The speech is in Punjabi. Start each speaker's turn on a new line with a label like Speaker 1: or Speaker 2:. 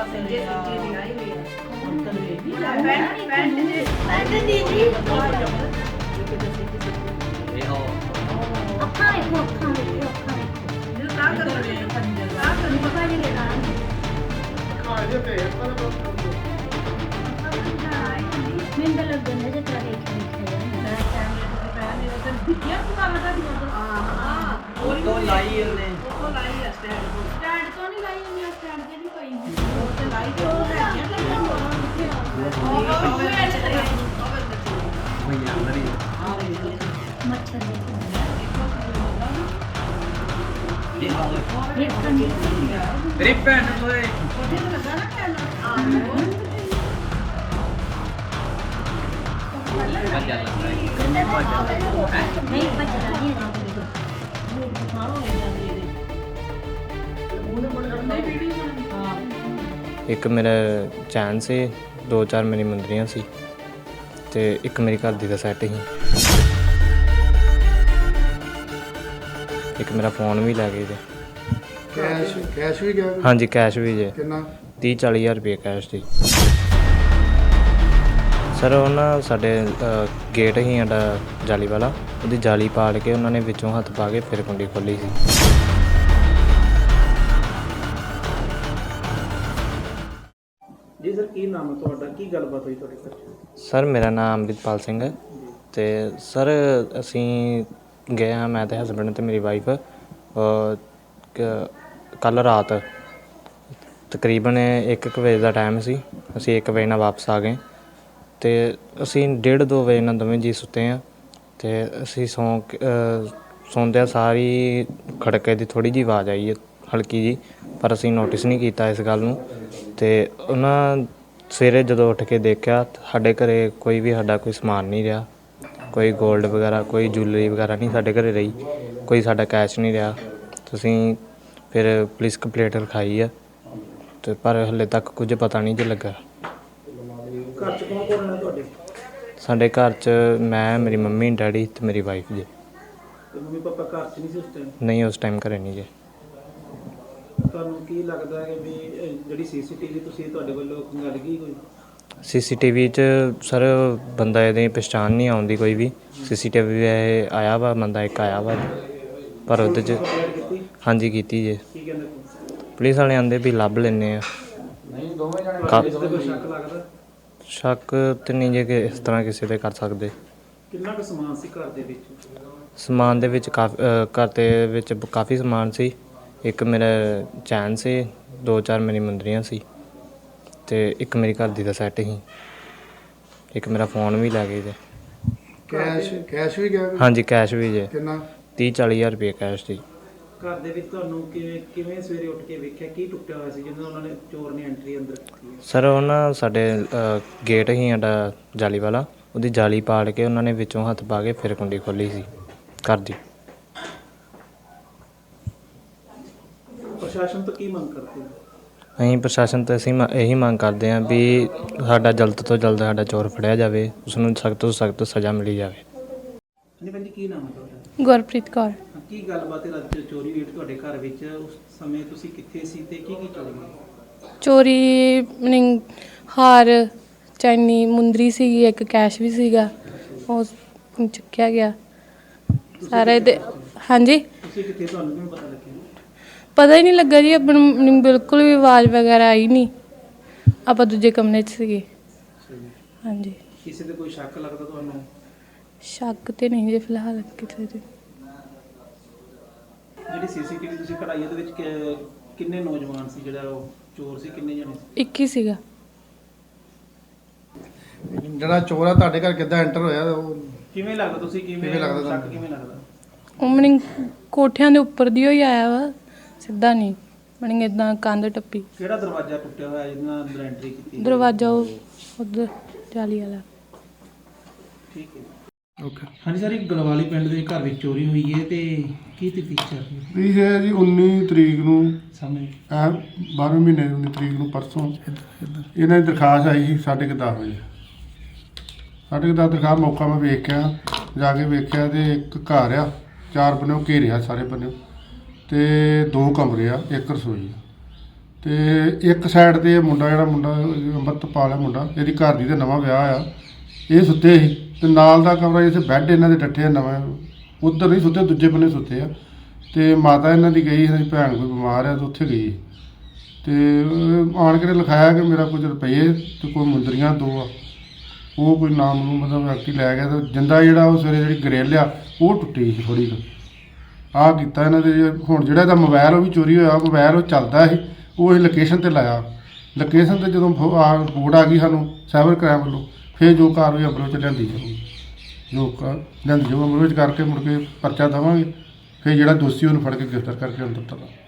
Speaker 1: एक मेरा चैन से 2-4 मेरी मुंदरियाँ सी ते एक मेरी घर दी दा सैट ही। एक मेरा फ़ोन भी लै गए जे।
Speaker 2: कैश भी गया?
Speaker 1: हाँ जी कैश भी जे।
Speaker 2: कितना?
Speaker 1: 30-40 हज़ार रुपये कैश जी। सर वो ना साडे गेट ही साडा जाली वाला, ਉਹਦੀ जाली पाड़ के उन्होंने विचों हत्थ पा के फिर कुंडी खोली सी।
Speaker 3: जी सर की नाम है ਤੁਹਾਡਾ, ਕੀ ਗੱਲਬਾਤ ਹੋਈ ਤੁਹਾਡੇ ਘਰ?
Speaker 1: ਸਰ ਮੇਰਾ ਨਾਮ ਅੰਮ੍ਰਿਤਪਾਲ ਸਿੰਘ ਹੈ ਅਤੇ ਸਰ ਅਸੀਂ ਗਏ ਹਾਂ, ਮੈਂ ਅਤੇ ਹਸਬੈਂਡ ਅਤੇ ਮੇਰੀ ਵਾਈਫ ਕੱਲ੍ਹ ਰਾਤ ਤਕਰੀਬਨ 1 ਵਜੇ ਦਾ ਟਾਈਮ ਸੀ। ਅਸੀਂ 1 ਵਜੇ ਨਾਲ ਵਾਪਸ ਆ ਗਏ ਅਤੇ ਅਸੀਂ 1:30-2 ਵਜੇ ਨਾਲ ਦੋਵੇਂ ਜੀਅ ਸੁੱਤੇ ਹਾਂ ਅਤੇ ਅਸੀਂ ਸੌਂਦਿਆਂ ਸਾਰੀ ਖੜਕੇ ਦੀ ਥੋੜ੍ਹੀ ਜਿਹੀ ਆਵਾਜ਼ ਆਈ ਹੈ, ਹਲਕੀ ਜਿਹੀ, ਪਰ ਅਸੀਂ ਨੋਟਿਸ ਨਹੀਂ ਕੀਤਾ ਇਸ ਗੱਲ ਨੂੰ। ਅਤੇ ਉਹਨਾਂ ਸਵੇਰੇ ਜਦੋਂ ਉੱਠ ਕੇ ਦੇਖਿਆ ਸਾਡੇ ਘਰ ਕੋਈ ਸਮਾਨ ਨਹੀਂ ਰਿਹਾ, ਕੋਈ ਗੋਲਡ ਵਗੈਰਾ, ਕੋਈ ਜੂਲਰੀ ਵਗੈਰਾ ਨਹੀਂ ਸਾਡੇ ਘਰ ਰਹੀ, ਕੋਈ ਸਾਡਾ ਕੈਸ਼ ਨਹੀਂ ਰਿਹਾ। ਤੁਸੀਂ ਫਿਰ ਪੁਲਿਸ ਕੰਪਲੇਂਟ ਲਿਖਾਈ ਆ ਅਤੇ ਪਰ ਹਾਲੇ ਤੱਕ ਕੁਝ ਪਤਾ ਨਹੀਂ ਜੇ ਲੱਗਾ।
Speaker 3: ਘਰ 'ਚ ਕੌਣ ਕੌਣ ਹੈ ਤੁਹਾਡੇ?
Speaker 1: ਸਾਡੇ ਘਰ 'ਚ ਮੈਂ, ਮੇਰੀ ਮੰਮੀ, ਡੈਡੀ ਅਤੇ ਮੇਰੀ ਵਾਈਫ ਜੀ।
Speaker 3: ਤੇ ਮੰਮੀ ਪਾਪਾ ਘਰ 'ਚ ਨਹੀਂ ਸੀ ਉਸ ਟਾਈਮ?
Speaker 1: ਨਹੀਂ ਉਸ ਟਾਈਮ ਘਰੇ ਨਹੀਂ ਜੇ।
Speaker 3: ਤੁਹਾਨੂੰ ਕੀ ਲੱਗਦਾ ਹੈ ਵੀ ਜਿਹੜੀ ਸੀਸੀਟੀਵੀ ਤੁਸੀਂ ਤੁਹਾਡੇ ਵੱਲੋਂ ਖੰਗਾਲ ਗਈ ਕੋਈ?
Speaker 1: CCTV 'ਚ ਸਰ ਬੰਦਾ ਇਹਦੀ ਪਛਾਣ ਨਹੀਂ ਆਉਂਦੀ ਕੋਈ ਵੀ। CCTV ਇਹ ਆਇਆ ਵਾ, ਬੰਦਾ ਇੱਕ ਆਇਆ ਵਾ, ਪਰ ਉਹਦੇ 'ਚ ਹਾਂਜੀ ਕੀਤੀ ਜੇ।
Speaker 3: ਕੀ ਕਹਿੰਦੇ
Speaker 1: ਪੁਲਿਸ ਵਾਲੇ ਆਂਦੇ ਵੀ ਲੱਭ ਲੈਂਦੇ ਆ।
Speaker 3: ਕੋਈ ਸ਼ੱਕ ਲੱਗਦਾ?
Speaker 1: ਸ਼ੱਕ ਤਾਂ ਨਹੀਂ ਜੇ ਕਿ ਇਸ ਤਰ੍ਹਾਂ ਕਿਸੇ 'ਤੇ ਕਰ ਸਕਦੇ।
Speaker 3: ਕਿੰਨਾ ਕੁ ਸਮਾਨ ਸੀ ਘਰ ਦੇ ਵਿੱਚ?
Speaker 1: ਸਮਾਨ ਦੇ ਵਿੱਚ ਘਰ ਦੇ ਵਿੱਚ ਕਾਫੀ ਸਮਾਨ ਸੀ। ਇੱਕ ਮੇਰਾ ਚੈਨ ਸੀ, 2-4 ਮੇਰੀ ਮੁੰਦਰੀਆਂ ਸੀ ਅਤੇ ਇੱਕ ਮੇਰੀ ਘਰ ਦੀ ਦਾ ਸੈੱਟ ਸੀ। ਇੱਕ ਮੇਰਾ ਫ਼ੋਨ ਵੀ ਲੈ ਗਏ ਜੇ।
Speaker 2: ਕੈਸ਼ ਵੀ ਗਿਆ?
Speaker 1: ਹਾਂਜੀ ਕੈਸ਼ ਵੀ ਜੇ।
Speaker 2: ਕਿੰਨਾ?
Speaker 1: 30-40 ਹਜ਼ਾਰ ਰੁਪਏ ਕੈਸ਼ ਜੀ।
Speaker 3: ਘਰ ਦੇ ਵਿੱਚ ਤੁਹਾਨੂੰ ਕਿਵੇਂ ਸਵੇਰੇ ਉੱਠ ਕੇ ਵੇਖਿਆ, ਕੀ ਟੁੱਟਿਆ ਹੋਇਆ ਸੀ ਜਦੋਂ ਉਹਨਾਂ ਨੇ ਚੋਰ ਨੇ ਐਂਟਰੀ ਅੰਦਰ ਕੀਤੀ?
Speaker 1: ਸਰ ਉਹ ਨਾ ਸਾਡੇ ਗੇਟ ਹੀ ਸਾਡਾ ਜਾਲੀ ਵਾਲਾ, ਉਹਦੀ ਜਾਲੀ ਪਾੜ ਕੇ ਉਹਨਾਂ ਨੇ ਵਿੱਚੋਂ ਹੱਥ ਪਾ ਕੇ ਫਿਰ ਕੁੰਡੀ ਖੋਲੀ ਸੀ ਘਰ ਦੀ।
Speaker 3: ਪ੍ਰਸ਼ਾਸਨ ਤੋਂ ਕੀ ਮੰਗ ਕਰਦੇ ਹੋ?
Speaker 1: ਅਸੀਂ ਪ੍ਰਸ਼ਾਸਨ ਤੋਂ ਇਹੀ ਮੰਗ ਕਰਦੇ ਹਾਂ ਵੀ ਸਾਡਾ ਜਲਦ ਤੋਂ ਜਲਦ ਸਾਡਾ ਚੋਰ ਫੜਿਆ ਜਾਵੇ, ਉਸਨੂੰ ਸਖਤ ਤੋਂ ਸਖਤ ਸਜ਼ਾ ਮਿਲੀ ਜਾਵੇ।
Speaker 3: ਹਾਂਜੀ ਭੈਣ ਜੀ ਕੀ ਨਾਮ ਹੈ ਤੁਹਾਡਾ?
Speaker 4: ਗੁਰਪ੍ਰੀਤ ਕੌਰ।
Speaker 3: ਕੀ ਗੱਲਬਾਤ ਹੈ ਰਾਤ ਚੋਰੀ ਹੋਈ ਤੁਹਾਡੇ ਘਰ ਵਿੱਚ? ਉਸ ਸਮੇਂ ਤੁਸੀਂ ਕਿੱਥੇ ਸੀ ਤੇ ਕੀ ਚੋਰੀ ਹੋਈ?
Speaker 4: ਚੋਰੀ ਮੀਨਿੰਗ ਹਾਰ, ਚੈਨੀ, ਮੁੰਦਰੀ ਸੀਗੀ, ਇੱਕ ਕੈਸ਼ ਵੀ ਸੀਗਾ, ਉਹ ਚੁੱਕਿਆ ਗਿਆ ਸਾਰਾ ਇਹਦੇ। ਹਾਂਜੀ
Speaker 3: ਤੁਸੀਂ ਕਿੱਥੇ, ਤੁਹਾਨੂੰ ਕਿਵੇਂ ਪਤਾ ਲੱਗਿਆ?
Speaker 4: ਪਤਾ ਹੀ ਨਹੀਂ ਲੱਗਾ ਜੀ, ਆਪਾਂ ਨੂੰ ਬਿਲਕੁਲ ਵੀ ਆਵਾਜ਼ ਵਗੈਰਾ ਆਈ ਨਹੀਂ, ਆਪਾਂ ਦੂਜੇ ਕਮਰੇ 'ਚ ਸੀਗੇ। ਹਾਂਜੀ।
Speaker 3: ਕਿਸੇ ਤੇ ਕੋਈ ਸ਼ੱਕ ਲੱਗਦਾ ਤੁਹਾਨੂੰ?
Speaker 4: ਸ਼ੱਕ ਤੇ ਨਹੀਂ ਜੇ ਫਿਲਹਾਲ ਕਿਤੇ ਤੇ।
Speaker 3: ਜਿਹੜੀ ਸੀਸੀਟੀਵੀ ਤੁਸੀਂ ਕਢਾਈ ਉਹਦੇ ਵਿੱਚ ਕਿੰਨੇ ਨੌਜਵਾਨ ਸੀ, ਜਿਹੜਾ ਉਹ ਚੋਰ ਸੀ, ਕਿੰਨੇ ਜਣੇ ਸੀ?
Speaker 4: ਇੱਕ ਹੀ ਸੀਗਾ।
Speaker 2: ਜਿਹੜਾ ਚੋਰ ਆ ਤੁਹਾਡੇ ਘਰ ਕਿੱਦਾਂ ਐਂਟਰ ਹੋਇਆ ਉਹ
Speaker 3: ਕਿਵੇਂ ਲੱਗਦਾ, ਤੁਸੀਂ
Speaker 2: ਕਿਵੇਂ ਲੱਗਦਾ
Speaker 3: ਸ਼ੱਕ ਕਿਵੇਂ ਲੱਗਦਾ?
Speaker 4: ਉਹ ਮੀਨਿੰਗ ਕੋਠਿਆਂ ਦੇ ਉੱਪਰ ਦੀ ਹੀ ਆਇਆ ਵਾ, ਸਿੱਧਾ ਨਹੀਂ, ਮੀਨਿੰਗ ਇੱਦਾਂ ਕੰਧ ਟੱਪੀ।
Speaker 3: ਕਿਹੜਾ ਦਰਵਾਜ਼ਾ ਟੁੱਟਿਆ ਹੋਇਆ ਜਿਹਦੇ ਨਾਲ ਅੰਦਰ ਐਂਟਰੀ ਕੀਤੀ?
Speaker 4: ਦਰਵਾਜ਼ਾ ਉਹ ਉੱਧਰ ਜਾਲੀ ਵਾਲਾ।
Speaker 3: ਠੀਕ ਹੈ।
Speaker 2: ਓਕੇ।
Speaker 3: ਹਾਂਜੀ ਸਰ, ਇੱਕ ਗਲਵਾਲੀ ਪਿੰਡ ਦੇ ਘਰ ਵਿੱਚ ਚੋਰੀ ਹੋਈ ਹੈ ਤੇ ਕੀ ਤਫਤੀਸ਼ ਚੱਲ ਰਹੀ ਹੈ?
Speaker 2: ਇਹ ਹੈ ਜੀ 19 ਤਰੀਕ ਨੂੰ,
Speaker 3: ਸਾਹਮਣੇ
Speaker 2: 12ਵੇਂ ਮਹੀਨੇ 19 ਤਰੀਕ ਨੂੰ, ਪਰਸੋਂ ਇਹਨਾਂ ਦੀ ਦਰਖਾਸਤ ਆਈ ਸੀ 10:30 ਵਜੇ। 10:30 ਦਰਖਾਸਤ ਮੌਕਾ ਮੈਂ ਵੇਖਿਆ, ਜਾ ਕੇ ਵੇਖਿਆ ਤੇ ਇੱਕ ਘਰ ਆ, 4 ਬੰਨਿਓ ਘੇਰਿਆ ਸਾਰੇ ਬੰਨਿਓ, ਤੇ 2 ਕਮਰੇ ਆ, 1 ਰਸੋਈ ਆ, ਤੇ ਇੱਕ ਸਾਈਡ ਤੇ ਇਹ ਮੁੰਡਾ ਅੰਮ੍ਰਿਤਪਾਲ ਹੈ ਮੁੰਡਾ, ਇਹਦੀ ਘਰ ਦੀ ਦਾ ਨਵਾਂ ਵਿਆਹ ਆ, ਇਹ ਸੁੱਤੇ ਸੀ ਤੇ ਨਾਲ ਦਾ ਕਮਰਾ ਜਿੱਥੇ ਬੈੱਡ ਇਹਨਾਂ ਦੇ ਡੱਠੇ ਆ ਨਵਾਂ, ਉੱਧਰ ਨਹੀਂ ਸੁੱਤੇ, ਦੂਜੇ ਬੰਨੇ ਸੁੱਤੇ ਆ। ਤੇ ਮਾਤਾ ਇਹਨਾਂ ਦੀ ਗਈ, ਇਹਨਾਂ ਦੀ ਭੈਣ ਕੋਈ ਬਿਮਾਰ ਆ ਤੇ ਉੱਥੇ ਗਈ ਤੇ ਆਣ ਕੇ ਲਿਖਾਇਆ ਕਿ ਮੇਰਾ ਕੁਝ ਰੁਪਏ ਤੇ ਕੋਈ ਮੁੰਦਰੀਆਂ 2 ਆ, ਉਹ ਕੋਈ ਨਾਮ ਨੂੰ ਮਤਲਬ ਵਿਅਕਤੀ ਲੈ ਗਿਆ ਤੇ ਜਿੰਦਾ ਜਿਹੜਾ ਉਹ ਸਵੇਰੇ ਜਿਹੜੀ ਗਰਿੱਲ ਆ ਉਹ ਟੁੱਟੀ ਸੀ ਥੋੜ੍ਹੀ ਕੁ। ਆਹ ਕੀਤਾ ਇਹਨਾਂ ਦੇ। ਹੁਣ ਜਿਹੜਾ ਇਹਦਾ ਮੋਬਾਈਲ ਉਹ ਵੀ ਚੋਰੀ ਹੋਇਆ, ਮੋਬਾਈਲ ਉਹ ਚੱਲਦਾ ਸੀ, ਉਹ ਅਸੀਂ ਲੋਕੇਸ਼ਨ 'ਤੇ ਲਾਇਆ। ਲੋਕੇਸ਼ਨ 'ਤੇ ਜਦੋਂ ਰਿਪੋਰਟ ਆ ਗਈ ਸਾਨੂੰ ਸਾਈਬਰ ਕ੍ਰਾਈਮ ਵੱਲੋਂ, ਫਿਰ ਜੋ ਕਾਰਵਾਈ ਅਮਲ ਵਿੱਚ ਲਿਆਂਦੀ ਜਾਊਗੀ, ਲਿਆਂਦੀ ਜਾਊ ਅਮਲ ਵਿੱਚ ਕਰਕੇ ਮੁੜ ਕੇ ਪਰਚਾ ਦੇਵਾਂਗੇ, ਫਿਰ ਜਿਹੜਾ ਦੋਸ਼ੀ ਉਹਨੂੰ ਫੜ ਕੇ ਗ੍ਰਿਫਤਾਰ ਕਰਕੇ ਅੰਦਰ ਤੱਕ